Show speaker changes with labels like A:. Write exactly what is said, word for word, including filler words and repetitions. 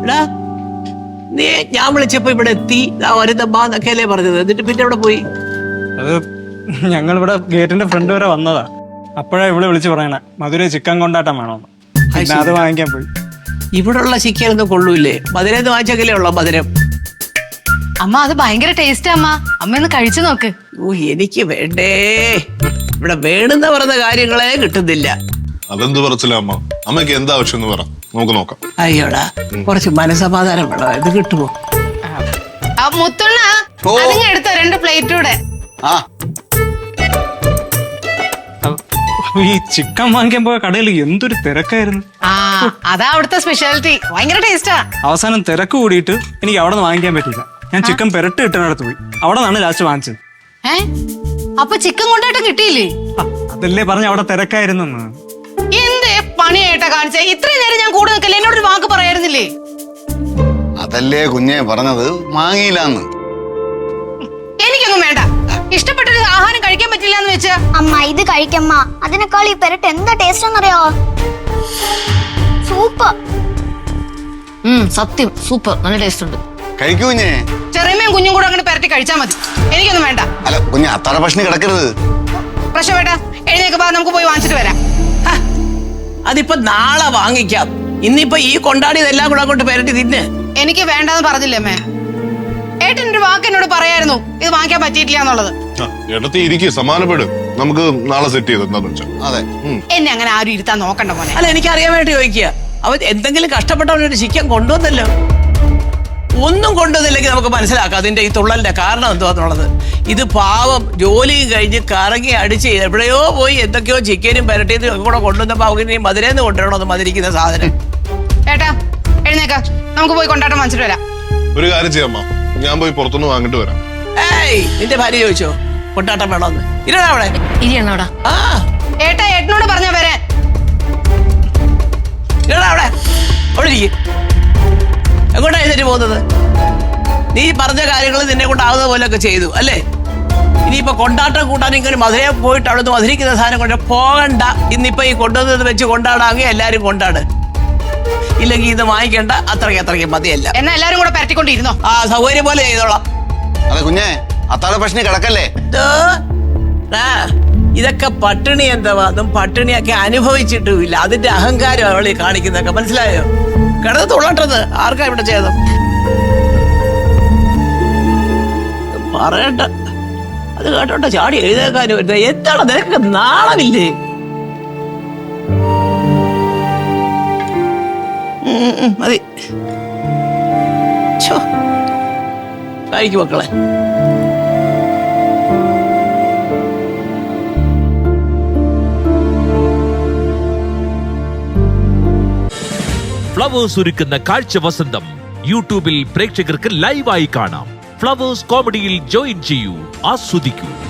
A: നീ ഞാൻ വിളിച്ചപ്പോ ഇവിടെ എത്തി വരുന്നൊക്കെയല്ലേ പറഞ്ഞത്, എന്നിട്ട് പിന്നെ ഇവിടെ പോയി?
B: അത് ഞങ്ങൾ ഇവിടെ ഗേറ്റിന്റെ ഫ്രണ്ട് വരെ വന്നതാ. അപ്പോഴാ ഇവിടെ വിളിച്ച് പറയണേ മധുര ചിക്കൻ കൊണ്ടാട്ടം വേണോന്ന്. പിന്നെ അത് വാങ്ങിക്കാൻ പോയി.
A: ഇവിടെ ഉള്ള ചിക്കനൊന്നും കൊള്ളൂല്ലേ? മധുരം വാങ്ങിച്ചെങ്കിലേ ഉള്ളോ മധുരം?
C: അമ്മ അത് ഭയങ്കര ടേസ്റ്റ് അമ്മ, അമ്മ ഒന്ന് കഴിച്ചു നോക്ക്.
A: ഓ എനിക്ക് വേണ്ടേ, ഇവിടെ വേണമെന്ന പറഞ്ഞ കാര്യങ്ങളെ കിട്ടുന്നില്ല.
D: അതെന്ത് പറച്ചില്ല അമ്മ, അമ്മയ്ക്ക് എന്താ ആവശ്യം എന്ന് പറ, നമുക്ക് നോക്കാം.
A: അയ്യോടാ കുറച്ച് മനസമാധാനം വേണം, ഇത് കിട്ടുമോ?
C: മുത്തുണ്ണ അതിങ്ങ് എടുത്ത രണ്ട് പ്ലേറ്റൂടെ.
B: ഈ ചിക്കൻ വാങ്ങിക്കാൻ പോയ കടയിൽ എന്തൊരു തിരക്കായിരുന്നു.
C: ആ അതാ അവിടുത്തെ സ്പെഷ്യാലിറ്റി, ഭയങ്കര ടേസ്റ്റാ.
B: അവസാനം തിരക്ക് കൂടിയിട്ട് എനിക്ക് അവിടെ നിന്ന് വാങ്ങിക്കാൻ പറ്റില്ല. ഞാൻ ചിക്കൻ പെരട്ട് കിട്ടുന്നിടത്ത് പോയി, അവിടെ നിന്നാണ് ലാസ്റ്റ് വാങ്ങിച്ചത്.
C: ഏ അപ്പൊ ചിക്കൻ കൊണ്ടായിട്ട് കിട്ടിയില്ലേ?
B: അതല്ലേ പറഞ്ഞ അവിടെ തിരക്കായിരുന്നെന്ന്.
C: എന്തേ പണിയായിട്ടാ കാണിച്ചേ? ഇത്രയും നേരം ഞാൻ കൂടെ നിൽക്കല്ലേ, എന്നോടൊരു വാക്ക് പറയായിരുന്നില്ലേ?
E: അതല്ലേ കുഞ്ഞെ പറഞ്ഞത്, വാങ്ങിയില്ലാന്ന്.
C: എനിക്കൊന്നും വേണ്ട, ഇഷ്ടപ്പെട്ടൊരു ആഹാരം കഴിക്കാൻ പറ്റില്ല എന്ന് വെച്ചാ.
F: അമ്മ ഇത് കഴിക്കമ്മ, അതിനേക്കാൾ ഈ പെരട്ട് എന്താ ടേസ്റ്റ് എന്നറിയോ? സൂപ്പർ.
C: സത്യം സൂപ്പർ, നല്ല ടേസ്റ്റ് ഉണ്ട്.
E: കഴിക്കൂ കുഞ്ഞെ.
C: ചെറിയമ്മയും കുഞ്ഞും കൂടെ അങ്ങനെ പെരട്ടി കഴിച്ചാൽ മതി, എനിക്കൊന്നും വേണ്ട.
E: അല്ല കുഞ്ഞെ അത്താഴ ഭക്ഷണം കിടക്കരുത്.
C: പ്രശ്നം വേണ്ട, എഴുന്നേക്ക് ബാ, നമുക്ക് പോയി വാങ്ങിച്ചിട്ട് വരാം.
A: അതിപ്പോ നാളെ വാങ്ങിക്കാം, ഇന്നിപ്പോ ഈ കൊണ്ടാടിയതെല്ലാം കൂടെ അങ്ങോട്ട് പെരട്ടി തിന്ന്.
C: എനിക്ക് വേണ്ടെന്ന് പറഞ്ഞില്ലേ അമ്മേ? ഏട്ടൻ ഒരു വാക്ക് എന്നോട് പറയായിരുന്നു ഇത് വാങ്ങിക്കാൻ പറ്റിയിട്ടില്ല എന്നുള്ളത്.
D: ഇടത്തി ഇരിക്കും, സമാനപ്പെടും, നമുക്ക് നാളെ സെറ്റ് ചെയ്ത് എന്താന്ന് വെച്ചാ.
E: അതെ
C: എന്നെ അങ്ങനെ ആരും ഇരുത്താൻ നോക്കണ്ട മോനെ.
A: അല്ല എനിക്ക് അറിയാൻ വേണ്ടി ചോദിക്കുക, അവൻ എന്തെങ്കിലും കഷ്ടപ്പെട്ടവനൊരു ചിക്കൻ കൊണ്ടുവന്നല്ലോ. ഒന്നും കൊണ്ടുവന്നില്ലെങ്കിൽ നമുക്ക് മനസ്സിലാക്കാം അതിന്റെ ഈ തുള്ളലിന്റെ കാരണം എന്തുവാന്നുള്ളത്. ഇത് പാവം ജോലിയും കഴിഞ്ഞ് കറങ്ങി അടിച്ച് എവിടെയോ പോയി എന്തൊക്കെയോ ചിക്കനും പെരട്ടിയും കൂടെ കൊണ്ടുവന്നപ്പോ അവന് മധുരന്ന് കൊണ്ടുവരണോ മധുരിക്കുന്ന സാധനം.
C: ഏട്ടാ എഴുന്നേക്ക, നമുക്ക് പോയി കൊണ്ടാട്ടം വാങ്ങിച്ചിട്ട് വരാം.
D: ഒരു കാര്യം ചെയ്യാമ്മ, ഞാൻ പോയി പുറത്തുനിന്ന് വാങ്ങിട്ട് വരാം.
A: ഏയ് നിന്റെ ഭാര്യ ചോദിച്ചോ കൊണ്ടാട്ടം വേണോന്ന്? ഇരടാ അവിടെ
C: ഇരിയണോടാ.
A: ആ
C: ഏട്ടാ ഏട്ടനോട് പറഞ്ഞാ വരാൻ.
A: ഇരടാ അവിടെ അവിടെ ഇരിക്കും. എങ്ങോട്ടാ എഴുന്നേറ്റ് പോകുന്നത്? നീ പറഞ്ഞ കാര്യങ്ങൾ നിന്നെ കൊണ്ടാവുന്ന പോലെയൊക്കെ ചെയ്തു അല്ലേ? ഇനിയിപ്പോ കൊണ്ടാട്ടം കൂട്ടാൻ ഇങ്ങനെ മധുരയെ പോയിട്ട് അവിടുന്ന് മധുരിക്കുന്ന സാധനം കൊണ്ട് പോകണ്ട. ഇന്നിപ്പോ ഈ കൊണ്ടുവന്നത് വെച്ച് കൊണ്ടാടാമെങ്കിൽ എല്ലാരും കൊണ്ടാട്, ഇല്ലെങ്കിൽ ഇത് വാങ്ങിക്കണ്ട. അത്രയ്ക്ക് അത്രയ്ക്ക് മതിയല്ല.
C: എന്നാ എല്ലാരും കൂടെ പരട്ടിക്കൊണ്ടിരുന്നോ?
A: ആ സൗകര്യം പോലെ ചെയ്തോളാം.
E: അതെ കുഞ്ഞെ അത്താഴ ഭക്ഷണം കിടക്കല്ലേ.
A: ഇതൊക്കെ പട്ടിണി എന്താവാന്നും പട്ടിണിയൊക്കെ അനുഭവിച്ചിട്ടുമില്ല, അതിന്റെ അഹങ്കാരം അവളി കാണിക്കുന്നതൊക്കെ മനസ്സിലായോ? കിടന്ന് തുള്ളട്ടത് ആർക്കാ ഇവിടെ ചെയ്തത് പറയണ്ട. അത് കേട്ടോട്ടെ ചാടി എഴുതേക്കാനും വരുന്നത് എന്താണ്? നിനക്ക് നാളമില്ലേ? മതി കഴിക്കും മക്കളെ.
G: ഫ്ലവേഴ്സ് ഒരുക്കുന്ന കാഴ്ച വസന്തം യൂട്യൂബിൽ പ്രേക്ഷകർക്ക് ലൈവായി കാണാം. ഫ്ലവേഴ്സ് കോമഡിയിൽ ജോയിൻ ചെയ്യൂ, ആസ്വദിക്കൂ.